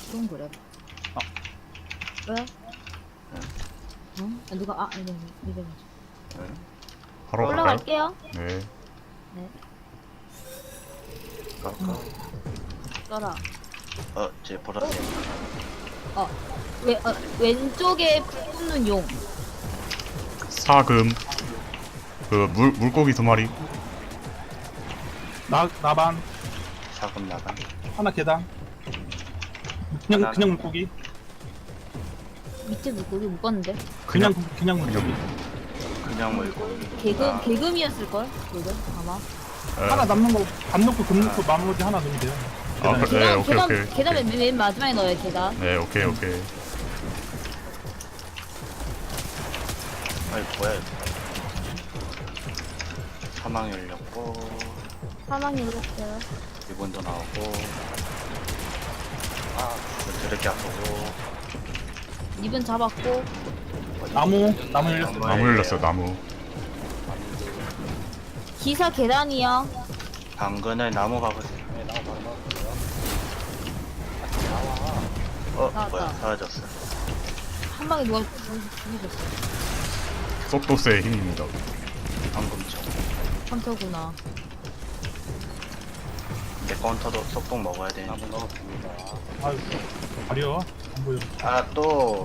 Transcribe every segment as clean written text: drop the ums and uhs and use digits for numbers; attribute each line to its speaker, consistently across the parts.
Speaker 1: 좀 그래. 왜? 응? 아, 누가 이거
Speaker 2: 바로 갈까요?
Speaker 1: 올라갈게요.
Speaker 2: 네.
Speaker 1: 네. 써라.
Speaker 3: 제 보라색.
Speaker 1: 왼쪽에 불 붙는 용.
Speaker 2: 사금. 그 물고기 2마리.
Speaker 4: 나반
Speaker 3: 사금 나간.
Speaker 4: 하나 계단. 그냥 물고기.
Speaker 1: 밑에 물고기 못 봤는데.
Speaker 4: 그냥 물고기.
Speaker 3: 그냥 물고기.
Speaker 1: 개금이었을 걸. 개금 아마.
Speaker 4: 하나 남는 거 밥 넣고 금 넣고 나머지 하나 넣으면 돼요.
Speaker 2: 아,
Speaker 4: 계단에.
Speaker 2: 그래. 네, 오케이.
Speaker 1: 계단 맨 마지막에 넣어요. 계단.
Speaker 2: 네, 오케이.
Speaker 3: 아이 뭐야 이거. 사망 열렸고
Speaker 1: 사망이 일었어요.
Speaker 3: 리본도 나오고. 드럽게 아프고.
Speaker 1: 입은 잡았고.
Speaker 4: 나무 열렸어.
Speaker 2: 나무 열렸어, 나무.
Speaker 1: 기사 계단이요.
Speaker 3: 당근을 나무 가보세요.
Speaker 1: 나왔다.
Speaker 3: 뭐야 사라졌어.
Speaker 1: 한 방에 누가 죽이셨어.
Speaker 2: 속도스의 힘입니다.
Speaker 3: 방금처럼.
Speaker 1: 헌터구나.
Speaker 3: 내 건터도 속독 먹어야 돼. 나무 넣었습니다.
Speaker 4: 아유 가려. 안 보여.
Speaker 3: 또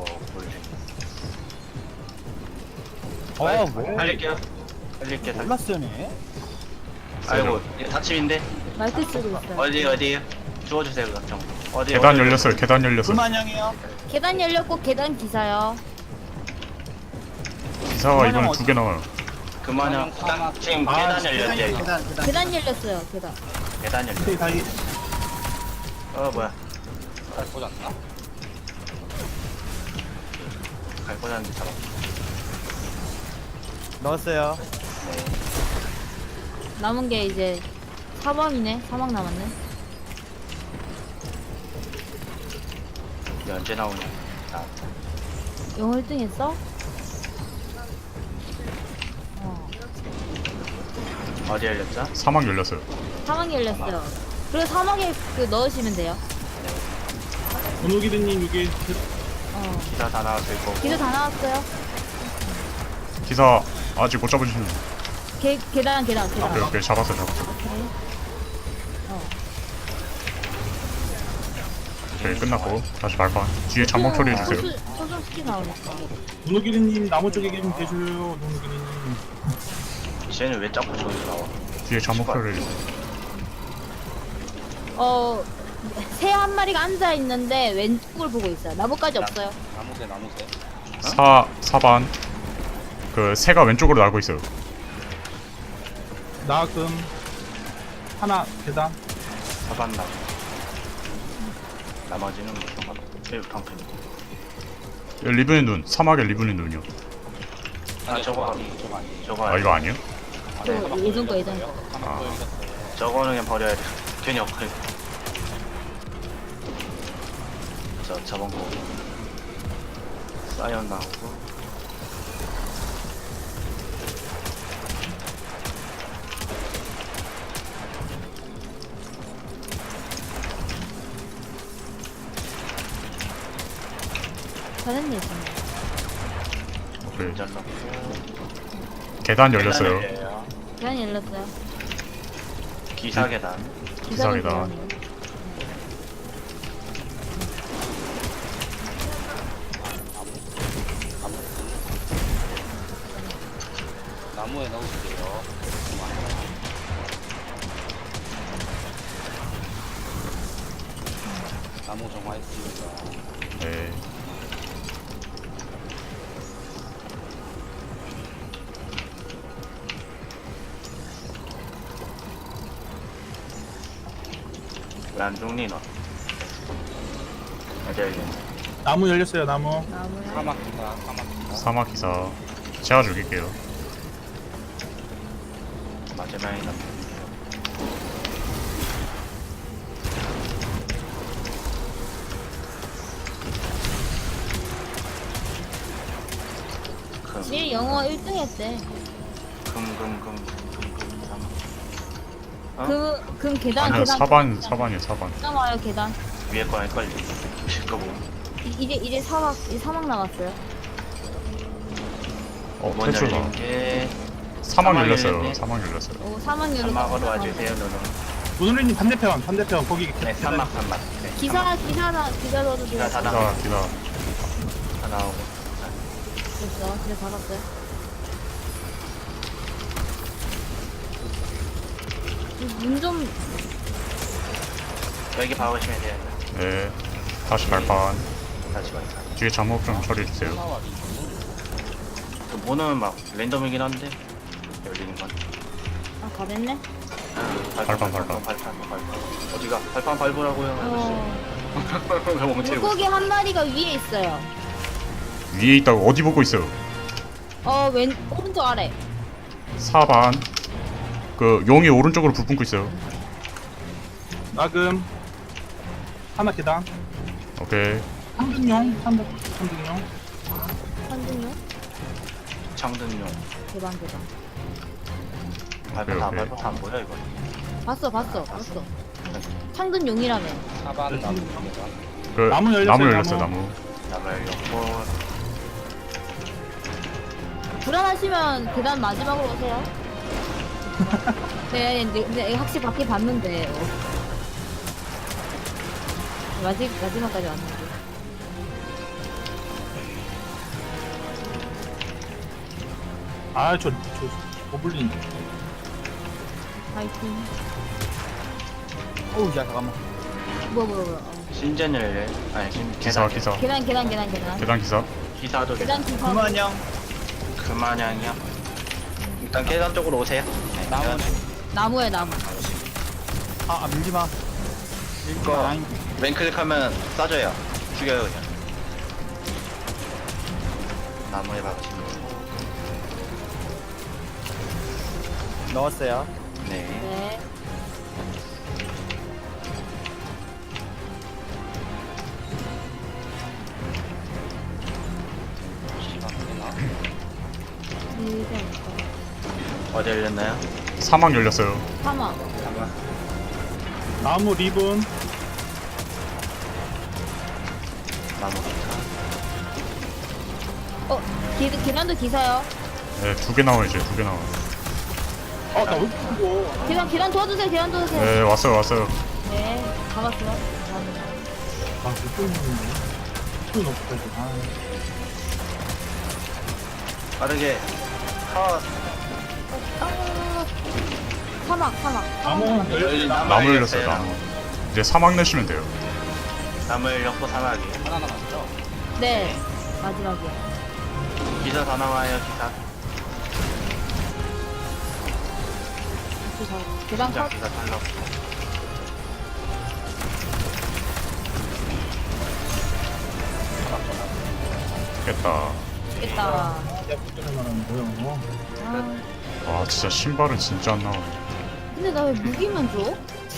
Speaker 3: 볼링.
Speaker 4: 뭐?
Speaker 3: 살릴게요.
Speaker 5: 몰랐으네.
Speaker 3: 아이고 다침인데.
Speaker 1: 마이크 쓰고 있어요.
Speaker 3: 어디에요? 주워주세요 그럼 정.
Speaker 2: 계단 열렸어요.
Speaker 5: 불만형이요.
Speaker 1: 계단 열렸고 계단 기사요.
Speaker 2: 기사가 이번에 2개 나와요.
Speaker 3: 그만요. 지금 계단 열렸대.
Speaker 1: 계단 열렸어요. 계단.
Speaker 3: 계단 열렸.
Speaker 4: 근데 다이
Speaker 3: 뭐야? 갈 꽂았나? 갈 꽂았는데 잡아.
Speaker 5: 넣었어요.
Speaker 1: 남은 게 이제 사방이네. 사방 남았네.
Speaker 3: 이게 언제 나오냐?
Speaker 1: 영어 1등 했어?
Speaker 3: 어디 열렸죠?
Speaker 2: 사막 열렸어요.
Speaker 1: 사망이 열렸어요. 그리고 사막에 넣으시면 돼요.
Speaker 4: 번호기드님 여기
Speaker 3: 기사 다 나왔을 거고.
Speaker 1: 기사 다 나왔어요.
Speaker 2: 기사 아직 못 잡으시는.
Speaker 1: 계단.
Speaker 2: 오케이. 잡았어.
Speaker 1: 오케이.
Speaker 2: 오케이, 끝났고. 다시 발판. 뒤에 잠복 처리해주세요.
Speaker 1: 소금 스키 나오니까.
Speaker 4: 번호기드님 나무 쪽에 좀 계셔요. 번호기드님.
Speaker 3: 쟤는 왜 자꾸 저기서 나와?
Speaker 2: 뒤에 잠복 처리해주세요.
Speaker 1: 새 한 마리가 앉아 있는데 왼쪽을 보고 있어요. 나무까지 없어요.
Speaker 2: 사반. 그 새가 왼쪽으로 날고 있어요.
Speaker 4: 나금 하나 계단.
Speaker 3: 사반 나. 나머지는 뭐 상관없어. 제일 방패.
Speaker 2: 리븐의 눈. 사막의 리븐의 눈이요.
Speaker 3: 저거
Speaker 2: 이거 아니에요?
Speaker 1: 예전 거.
Speaker 3: 저거는 그냥 버려야 돼. 괜히 엎클. 저번 거 사이언 나오고.
Speaker 1: 잘했네, 지금.
Speaker 2: 오케이.
Speaker 3: 잘랐고.
Speaker 2: 계단 열렸어요.
Speaker 1: 계단 열렸어요.
Speaker 3: 기사 계단.
Speaker 2: 기사 계단.
Speaker 1: 계단이에요.
Speaker 3: 나무에 넣으세요. 나무 정화했습니다.
Speaker 2: 네.
Speaker 3: 왜안 죽니 너? 어디 열렸니?
Speaker 4: 나무 열렸어요. 나무.
Speaker 1: 나무야.
Speaker 2: 사막 기사. 제가 죽일게요.
Speaker 3: 마지막에 남.
Speaker 1: 제일 영어 1등 했대.
Speaker 3: 어?
Speaker 1: 금 계단.
Speaker 2: 아니요, 사반이에요, 사반.
Speaker 1: 계단 와요, 계단.
Speaker 3: 위에 거 헷갈려. 실거 뭐.
Speaker 1: 이제 사막 남았어요.
Speaker 3: 문
Speaker 2: 탈출가.
Speaker 3: 열린 게
Speaker 2: 사막 열렸어요.
Speaker 3: 열렸네.
Speaker 2: 사막 열렸어요.
Speaker 1: 오 사막 열어.
Speaker 3: 사막으로 와주세요, 누누.
Speaker 4: 문우리님 반대편 거기
Speaker 3: 네, 산막. 네,
Speaker 1: 기사 넣어도 돼요.
Speaker 3: 기사 다 나오고.
Speaker 2: 기다.
Speaker 3: 다 나오고.
Speaker 1: 됐어. 집에 받았어요. 문 좀
Speaker 3: 여기 박으시면 돼요.
Speaker 2: 네. 다시 발판.
Speaker 3: 다시 봐요.
Speaker 2: 뒤에 잠옷 좀 처리해주세요.
Speaker 3: 그 문은 막 랜덤이긴 한데 열리는 건.
Speaker 1: 아 가됐네.
Speaker 3: 발판. 어디가? 발판 밟으라고요, 아저씨. 왜 멈추고?
Speaker 1: 물고기 한 마리가 위에 있어요.
Speaker 2: 위에 있다고 어디 보고 있어요?
Speaker 1: 오른쪽 아래.
Speaker 2: 4반. 그 용이 오른쪽으로 불 뿜고 있어요.
Speaker 4: 나금 하나 계단
Speaker 2: 오케이.
Speaker 4: 3등용
Speaker 1: 한준요?
Speaker 3: 창등용.
Speaker 1: 대박.
Speaker 3: 발판 다
Speaker 2: 오케이.
Speaker 3: 밟아서 안 보여 이거.
Speaker 1: 봤어. 창든 용이라며.
Speaker 2: 그
Speaker 4: 나무 열렸어요,
Speaker 2: 나무 열렸어요.
Speaker 4: 나무.
Speaker 2: 나무.
Speaker 3: 나무 열렸고.
Speaker 1: 불안하시면 계단 마지막으로 오세요. 네, 근데 확실히 밖에 봤는데. 마지막까지 왔는데.
Speaker 4: 아저 고블린
Speaker 1: 파이팅.
Speaker 5: 어우, 야, 잠깐만.
Speaker 1: 뭐야.
Speaker 3: 신전을 아니
Speaker 2: 기사.
Speaker 1: 계단.
Speaker 2: 계단 기사.
Speaker 3: 기사도
Speaker 1: 계단 기사.
Speaker 5: 그만형.
Speaker 3: 그만양이요. 일단 계단 쪽으로 오세요. 네,
Speaker 5: 나무.
Speaker 1: 나무에 나무.
Speaker 5: 밀지 마.
Speaker 3: 이거
Speaker 5: 라인.
Speaker 3: 왼클릭하면 쏴줘요. 죽여요 그냥. 나무에 박으시면.
Speaker 5: 넣었어요.
Speaker 3: 네.
Speaker 1: 네.
Speaker 3: 어디 열렸나요?
Speaker 2: 사막 열렸어요.
Speaker 1: 사막.
Speaker 3: 잠깐.
Speaker 4: 나무 리본
Speaker 3: 나무 기사.
Speaker 1: 계단도 기사요.
Speaker 2: 네, 2개 나와 이제 2개 나와.
Speaker 4: 나왜 이렇게
Speaker 1: 계단 도와주세요.
Speaker 2: 네, 왔어요.
Speaker 1: 네, 잡았어요. 감사합니다.
Speaker 4: 못 보이는데 또 없어야지
Speaker 3: 빠르게. 컷.
Speaker 1: 사막.
Speaker 4: 나무 열렸어요
Speaker 2: 나무 열렸어요. 나무. 이제 사막 내시면 돼요.
Speaker 3: 나무 열렸고 사막이.
Speaker 1: 네, 마지막이야.
Speaker 3: 기사 다 나와요 기사.
Speaker 1: 계단
Speaker 3: 진짜
Speaker 1: 컷.
Speaker 3: 기사 탈락.
Speaker 2: 깼다.
Speaker 1: 있겠다.
Speaker 4: 야구전에 말하는 뭐야
Speaker 1: 아,
Speaker 2: 와, 진짜 신발은 진짜 안 나오네.
Speaker 1: 근데 나 왜 무기만 줘?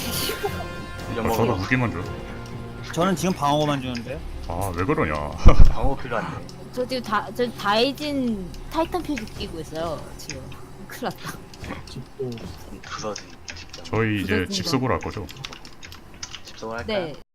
Speaker 2: 저도 무기만 줘.
Speaker 5: 저는 지금 방어만 주는데.
Speaker 2: 아, 왜 그러냐.
Speaker 3: 방어 필요한데.
Speaker 1: 저 지금 저 다이진 타이탄 표지 끼고 있어요. 지금 큰일 났다.
Speaker 4: 집도
Speaker 3: 부서지. 진짜.
Speaker 2: 저희 이제
Speaker 1: 부서진다.
Speaker 2: 집속으로 할 거죠.
Speaker 3: 집속을 할까요?
Speaker 1: 네.